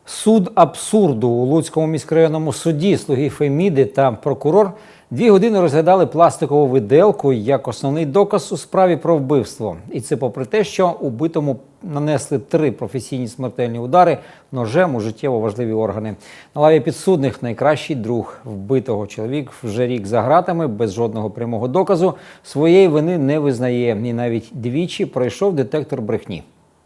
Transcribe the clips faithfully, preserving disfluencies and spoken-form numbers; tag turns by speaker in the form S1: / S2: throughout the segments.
S1: Суд абсурду. У Луцькому міськрайонному суді слуги Феміди та прокурор дві години розглядали пластикову виделку як основний доказ у справі про вбивство. І це попри те, що убитому нанесли три професійні смертельні удари ножем у життєво важливі органи. На лаві підсудних найкращий друг вбитого. Чоловік вже рік за ґратами, без жодного прямого доказу, своєї вини не визнає. І навіть двічі пройшов детектор брехні.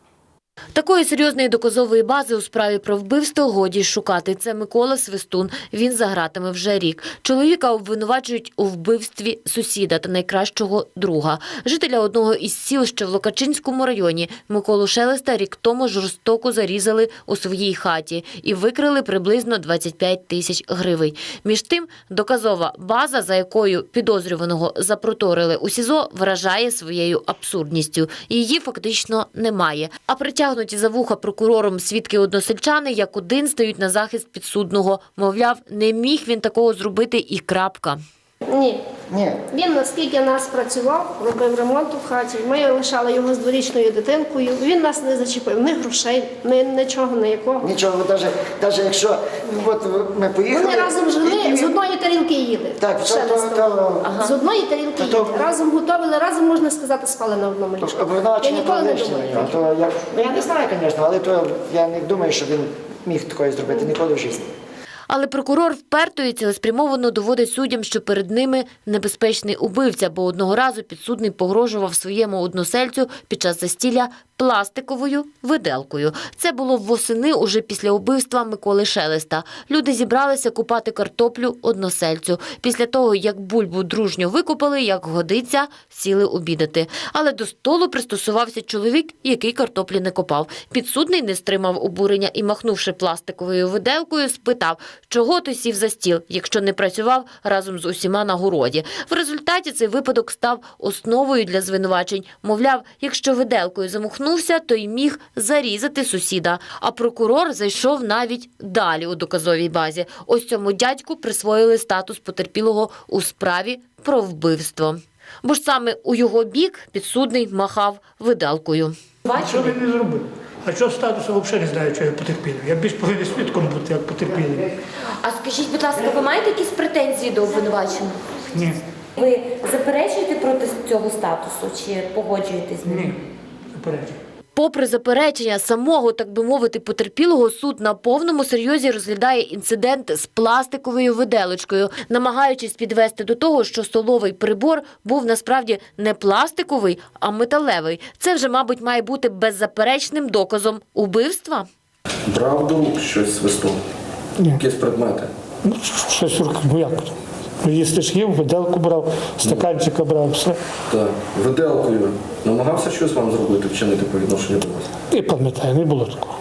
S2: Такої серйозної доказової бази у справі про вбивство годі шукати. Це Микола Свистун. Він за ґратами вже рік. Чоловіка обвинувачують у вбивстві сусіда та найкращого друга. Жителя одного із сіл, що в Локачинському районі, Миколу Шелеста рік тому жорстоко зарізали у своїй хаті і викрили приблизно двадцять п'ять тисяч гривень. Між тим, доказова база, за якою підозрюваного запроторили у СІЗО, вражає своєю абсурдністю. Її фактично немає. А притягнуті за вуха прокурором свідки-односельчани як один стають на захист підсудного. Мовляв, не міг він такого зробити і крапка.
S3: Ні.
S4: Ні.
S3: Він наскільки нас працював, робив ремонт у хаті, ми лишали його з дворічною дитинкою, він нас не зачепив, ні грошей, ні нічого, ніякого.
S4: Нічого, навіть, навіть якщо от ми поїхали...
S3: Вони разом жили,
S4: і-
S3: з одної тарілки їли.
S4: Так,
S3: Ще
S4: то- то-
S3: не
S4: то-
S3: ага. З одної тарілки
S4: То- то-
S3: їли, разом готували, разом, можна сказати, спали на одному ліжку. Я
S4: Обвинувачення
S3: ніколи не
S4: лишнє,
S3: думаю.
S4: то я, ну, я не знаю, звісно, але то я не думаю, що він міг такое зробити ніколи в житті.
S2: Але прокурор вперто і цілеспрямовано доводить суддям, що перед ними небезпечний убивця, бо одного разу підсудний погрожував своєму односельцю під час застілля пластиковою виделкою. Це було восени уже після убивства Миколи Шелеста. Люди зібралися купати картоплю односельцю. Після того, як бульбу дружньо викупали, як годиться, сіли обідати. Але до столу пристосувався чоловік, який картоплі не копав. Підсудний не стримав обурення і, махнувши пластиковою виделкою, спитав, чого ти сів за стіл, якщо не працював разом з усіма на городі. В результаті цей випадок став основою для звинувачень. Мовляв, якщо виделкою замахнувся, то й міг зарізати сусіда. А прокурор зайшов навіть далі у доказовій базі. Ось цьому дядьку присвоїли статус потерпілого у справі про вбивство. Бо ж саме у його бік підсудний махав виделкою.
S5: А що він не зробив? А що статусу взагалі не знаю, що я потерпілий. Я більш повинен свідком бути, як потерпілий.
S2: А скажіть, будь ласка, ви маєте якісь претензії до обвинуваченого?
S5: Ні,
S2: Ви заперечуєте проти цього статусу чи погоджуєтесь з ним?
S5: ні, заперечую.
S2: Попри заперечення самого, так би мовити, потерпілого, суд на повному серйозі розглядає інцидент з пластиковою виделочкою, намагаючись підвести до того, що столовий прибор був насправді не пластиковий, а металевий. Це вже, мабуть, має бути беззаперечним доказом убивства.
S6: Брав до рук щось свистом?
S5: Ні.
S6: Якісь предмети?
S5: Ну, щось руки, ну як? Ну, їсти ж їв, виделку брав, стаканчика брав, все.
S6: Так. Виделкою намагався щось вам зробити, вчинити по відношенню до вас?
S5: І пам'ятаю, не було такого.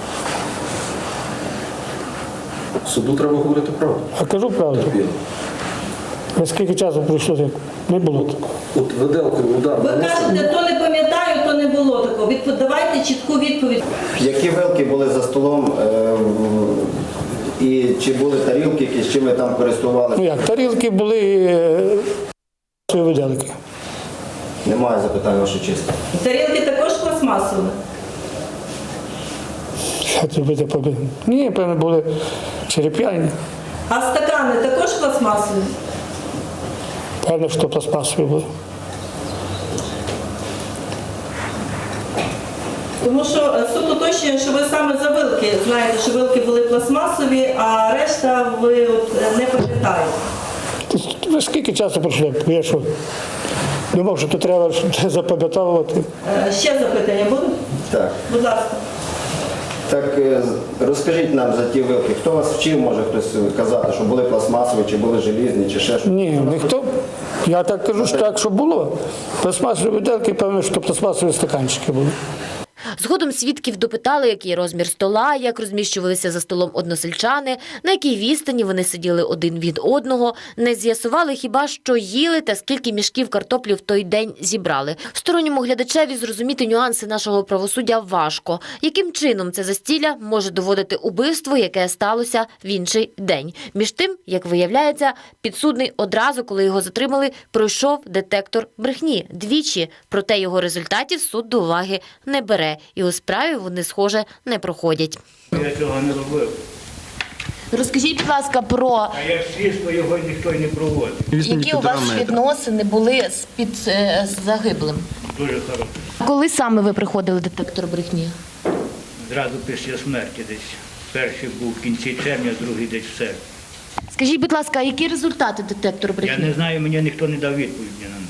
S6: Суду треба говорити правду.
S5: А кажу правду,
S6: Терпіло.
S5: наскільки часу пройшло, так не було такого.
S6: От виделкою удар
S7: Ви
S6: нанесли?
S7: кажете, то не пам'ятаю, то не було такого. Відпо- Давайте чітку відповідь.
S8: Які вилки були за столом е, в- і чи були тарілки, які, з чим ви там
S5: Ну
S8: користувалися?
S5: як, тарілки були е, виделки.
S8: Немає запитань, ваша честь.
S7: Тарілки також пластмасові.
S5: Що це буде побити? Ні, певно, були череп'яні.
S7: А стакани також пластмасові.
S5: Певно, що пластмасові були.
S7: Тому що е, суд уточнює, що ви саме за вилки знаєте, що вилки були пластмасові, а решта ви от, е, не пам'ятаєте.
S5: Ви скільки часу пройшло? Я що? Думав, що тут треба запам'ятовувати.
S7: Е, Ще запитання будуть?
S8: Так.
S7: Будь ласка.
S8: Так е, з- розкажіть нам за ті вилки. Хто вас вчив, може хтось казати, що були пластмасові, чи були желізні, чи ще щось?
S5: Ні, ніхто. Я так кажу, що так, що було. Пластмасові виделки, певно, що пластмасові стаканчики були.
S2: Згодом свідків допитали, який розмір стола, як розміщувалися за столом односельчани, на якій відстані вони сиділи один від одного. Не з'ясували хіба, що їли та скільки мішків картоплі в той день зібрали. Сторонньому глядачеві зрозуміти нюанси нашого правосуддя важко. Яким чином це застілля може доводити убивство, яке сталося в інший день? Між тим, як виявляється, підсудний одразу, коли його затримали, пройшов детектор брехні двічі. Проте його результатів суд до уваги не бере. і у справі вони, схоже, не проходять.
S9: Я цього не робив.
S2: Розкажіть, будь ласка, про
S9: А як слідство його ніхто й не проводить.
S2: які у вас відносини були з під е, з загиблим.
S9: Дуже хороше.
S2: Коли саме ви приходили в детектор брехні?
S9: Зразу після смерті десь. Перший був в кінці червня, другий десь в серпні.
S2: Скажіть, будь ласка, а які результати детектор
S9: Я
S2: брехні?
S9: не знаю, мені ніхто не дав відповіді на них.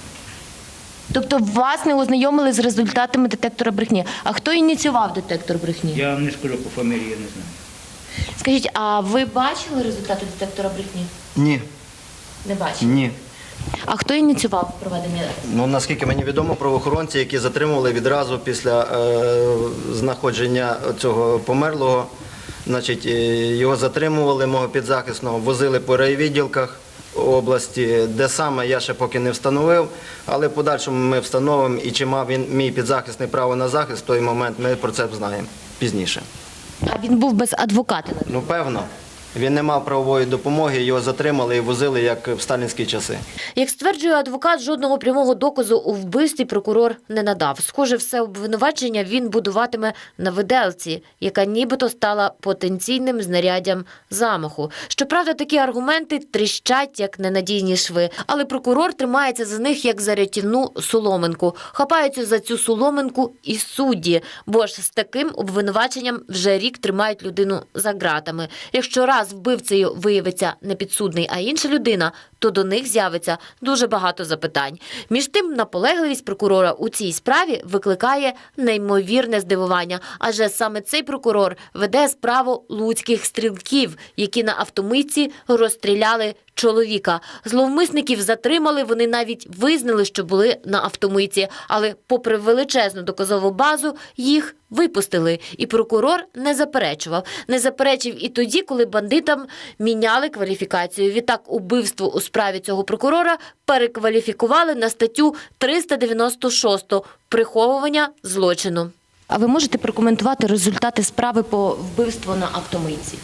S2: Тобто вас не ознайомили з результатами детектора брехні. А хто ініціював детектор брехні?
S9: Я вам не скажу по фамілії, я не знаю.
S2: Скажіть, а ви бачили результати детектора брехні?
S8: Ні,
S2: Не бачили.
S8: ні.
S2: А хто ініціював проведення?
S8: Ну, наскільки мені відомо, правоохоронці, які затримували відразу після е, знаходження цього померлого, значить, е, його затримували, мого підзахисного, возили по райвідділках області, де саме я ще поки не встановив, але в подальшому ми встановимо, і чи мав він, мій підзахисний, право на захист в той момент, ми про це знаємо пізніше.
S2: А він був без адвоката.
S8: Ну, певно. Він не мав правової допомоги, його затримали і возили, як в сталінські часи.
S2: Як стверджує адвокат, жодного прямого доказу у вбивстві прокурор не надав. Схоже, все обвинувачення він будуватиме на виделці, яка нібито стала потенційним знаряддям замаху. Щоправда, такі аргументи тріщать, як ненадійні шви. Але прокурор тримається за них, як за рятівну соломинку. Хапаються за цю соломинку і судді, бо ж з таким обвинуваченням вже рік тримають людину за ґратами. Якщо раз вбивцею виявиться не підсудний, а інша людина, то до них з'явиться дуже багато запитань. Між тим, наполегливість прокурора у цій справі викликає неймовірне здивування, адже саме цей прокурор веде справу луцьких стрілків, які на автомийці розстріляли чоловіка. Зловмисників затримали, вони навіть визнали, що були на автомийці, але попри величезну доказову базу їх випустили. І прокурор не заперечував. Не заперечив і тоді, коли бандитам міняли кваліфікацію. Відтак убивство у справі цього прокурора перекваліфікували на статтю триста дев'яносто шість «Приховування злочину». А ви можете прокоментувати результати справи по вбивству на автомийці?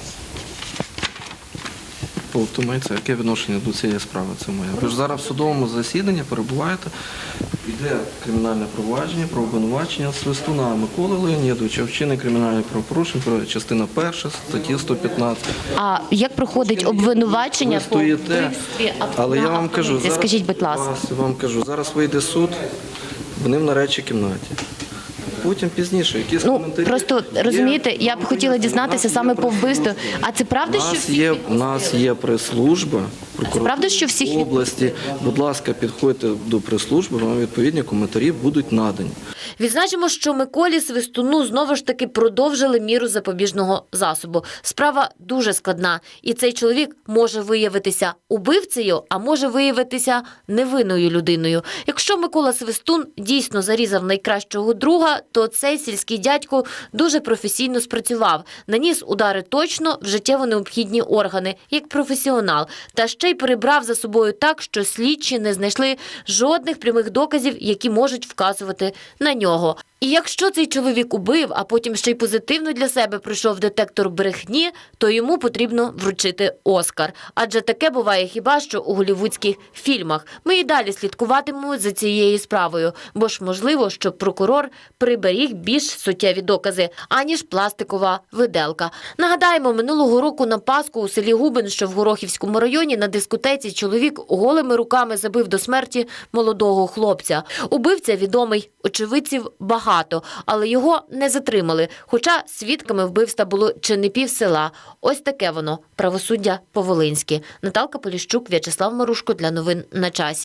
S6: Полтумається, яке відношення до цієї справи це моє? Ви ж зараз в судовому засіданні перебуваєте, йде кримінальне провадження про обвинувачення Свистуна Миколи Леонідовича, вчинення кримінальних правопорушень, частина перша, статті сто п'ятнадцять.
S2: А як проходить обвинувачення
S6: Ви
S2: по
S6: стоїте,
S2: вбивстві авто-
S6: але я
S2: на
S6: вам кажу,
S2: автомийці? Скажіть, будь ласка.
S6: зараз, вам кажу, зараз вийде суд, вони в нарадчій кімнаті. Потім пізніше, якісь
S2: Ну,
S6: коментарі.
S2: просто,
S6: Є-
S2: розумієте, я б хотіла
S6: У нас
S2: дізнатися
S6: є
S2: саме по вбивству.
S6: прес-служба.
S2: А це правда,
S6: У
S2: що
S6: нас
S2: всі
S6: є, у
S2: підписи?
S6: нас є прес-служба
S2: правда, що всіх
S6: прокуратури області. Будь ласка, підходьте до прес-служби, вам відповідні коментарі будуть надані.
S2: Відзначимо, що Миколі Свистуну знову ж таки продовжили міру запобіжного засобу. Справа дуже складна, і цей чоловік може виявитися убивцею, а може виявитися невинною людиною. Якщо Микола Свистун дійсно зарізав найкращого друга, то цей сільський дядько дуже професійно спрацював. Наніс удари точно в життєво необхідні органи, як професіонал. Та ще й перебрав за собою так, що слідчі не знайшли жодних прямих доказів, які можуть вказувати на нього. І якщо цей чоловік убив, а потім ще й позитивно для себе пройшов детектор брехні, то йому потрібно вручити Оскар. Адже таке буває хіба що у голлівудських фільмах. Ми і далі слідкуватимемо за цією справою, бо ж можливо, що прокурор приберіг більш суттєві докази, аніж пластикова виделка. Нагадаємо, минулого року на Пасху у селі Губин, що в Горохівському районі, на дискотеці чоловік голими руками забив до смерті молодого хлопця. Убивця відомий, очевидців багато, але його не затримали, хоча свідками вбивства було чи не пів села. Ось таке воно – правосуддя по-волинськи. Наталка Поліщук, В'ячеслав Марушко для новин на часі.